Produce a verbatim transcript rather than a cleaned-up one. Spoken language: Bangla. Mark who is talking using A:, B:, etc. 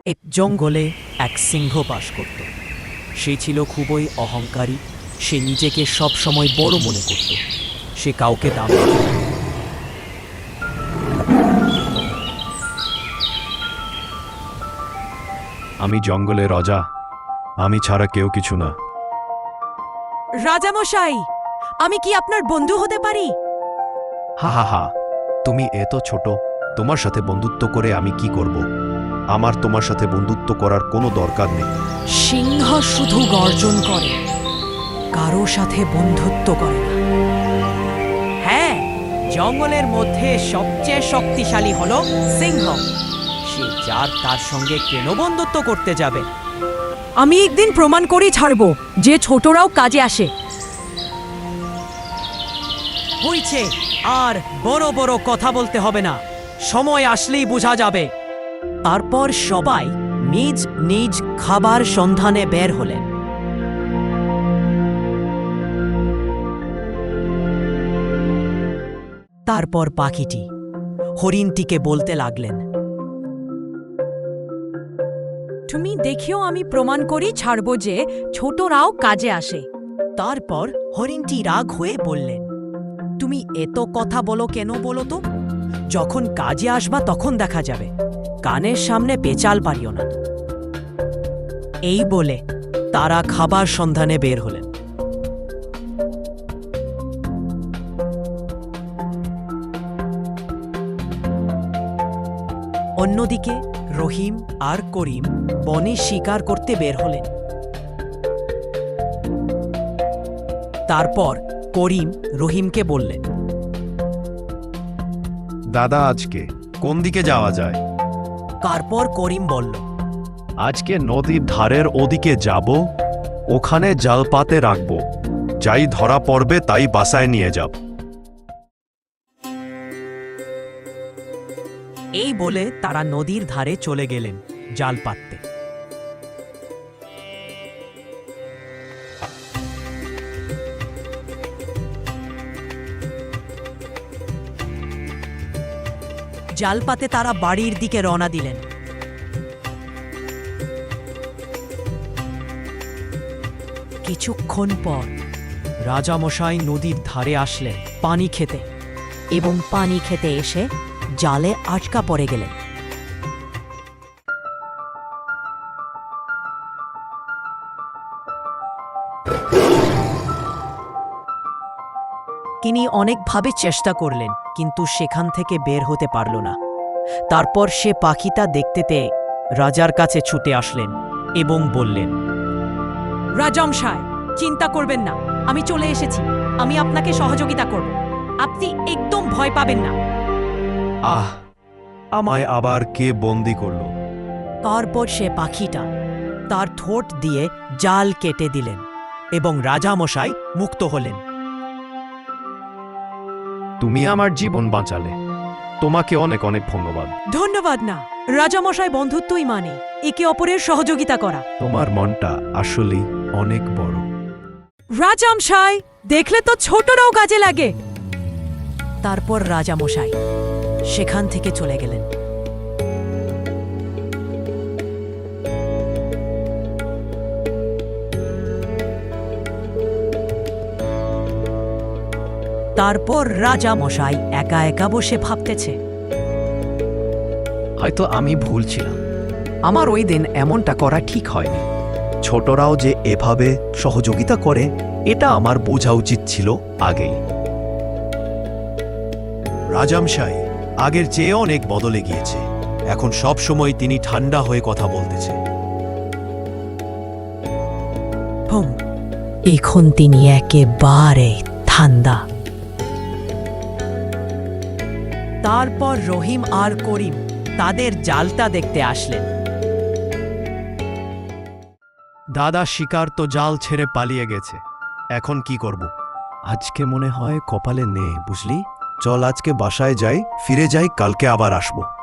A: এক জঙ্গলে এক সিংহ বাস করত। সে ছিল খুবই অহংকারী। সে নিজেকে সব সময় বড় মনে করত। সে কাউকে দাম দিত না।
B: আমি জঙ্গলের রাজা, আমি ছাড়া কেউ কিছু না।
C: রাজামশাই, আমি কি আপনার বন্ধু হতে পারি?
B: হা হা হা, তুমি এত ছোট, তোমার সাথে বন্ধুত্ব করে আমি কি করব? আমার তোমার সাথে বন্ধুত্ব করার কোনো দরকার নেই।
C: সিংহ শুধু গর্জন করে, কারো সাথে বন্ধুত্ব করে না।
A: হ্যাঁ, জঙ্গলের মধ্যে সবচেয়ে শক্তিশালী হলো সিংহ। সে যার তার সঙ্গে কেন বন্ধুত্ব করতে যাবে?
C: আমি একদিন প্রমাণ করেই ছাড়ব যে ছোটরাও কাজে আসে।
A: হইছে, আর বড় বড় কথা বলতে হবে না, সময় আসলেই বোঝা যাবে। তারপর সবাই নিজ নিজ খাবার সন্ধানে বের হলেন। তারপর পাখিটি হরিণটিকে বলতে লাগলেন,
C: তুমি দেখিও আমি প্রমাণ করি ছাড়ব যে ছোটরাও কাজে আসে।
A: তারপর হরিণটি রাগ হয়ে বললেন, তুমি এত কথা বলো কেন বলো তো? যখন কাজে আসবা তখন দেখা যাবে, কানের সামনে পেঁচাল পারিও না। এই বলে তারা খাবার সন্ধানে বের হলেন। অন্যদিকে রহিম আর করিম বনে শিকার করতে বের হলেন। তারপর করিম রহিমকে বললেন,
B: দাদা, আজকে কোন দিকে যাওয়া যায়?
A: তারপর করিম বলল,
B: আজকে নদীর ধারের ওদিকে যাব, ওখানে জাল পাতে রাখব, যাই ধরা পড়বে তাই বাসায় নিয়ে যাব।
A: এই বলে তারা নদীর ধারে চলে গেলেন জাল পাততে। জাল পাতে তারা বাড়ির দিকে রওনা দিলেন। কিছুক্ষণ পর রাজামশাই নদীর ধারে আসলেন পানি খেতে,
C: এবং পানি খেতে এসে জালে আটকা পড়ে গেলেন।
A: তিনি অনেকভাবে চেষ্টা করলেন, কিন্তু সেখান থেকে বের হতে পারল না। তারপর সে পাখিটা দেখতে পেয়ে রাজার কাছে ছুটে আসলেন এবং বললেন,
C: রাজামশাই, চিন্তা করবেন না, আমি চলে এসেছি। আমি আপনাকে সহযোগিতা করব, আপনি একদম ভয় পাবেন না।
B: আহ, আমায় আবার কে বন্দি করলো?
A: তারপর সে পাখিটা তার ঠোঁট দিয়ে জাল কেটে দিলেন এবং রাজামশাই মুক্ত হলেন।
B: তুমি আমার জীবন বাঁচালে, তোমাকে অনেক অনেক ধন্যবাদ।
C: ধন্যবাদ না, রাজামশাই বন্ধুত্বই মানে একে অপরের সহযোগিতা করা।
B: তোমার মনটা আসলেই অনেক বড়।
C: রাজামশাই, দেখলে তো ছোটরাও কাজে লাগে।
A: তারপর রাজামশাই সেখান থেকে চলে গেলেন। তারপর রাজামশাই একা একা বসে ভাবতেছে,
B: হয়তো আমি ভুল ছিলাম, আমার ওই দিন এমনটা করা ঠিক হয়নি। ছোটরাও যে এভাবে সহযোগিতা করে এটা আমার বোঝা উচিত ছিল আগেই। রাজামশাই আগের চেয়ে অনেক বদলে গিয়েছে, এখন সব সময় তিনি ঠান্ডা হয়ে কথা বলতেছে।
A: হুম, এখন তিনি একেবারে ঠান্ডা। তারপর রহিম আর করিম তাদের জালটা দেখতে আসলেন।
B: দাদা, শিকার তো জাল ছেড়ে পালিয়ে গেছে, এখন কি করব? আজকে মনে হয় কপালে নেই, বুঝলি? চল আজকে বাসায় যাই, ফিরে যাই, কালকে আবার আসবো।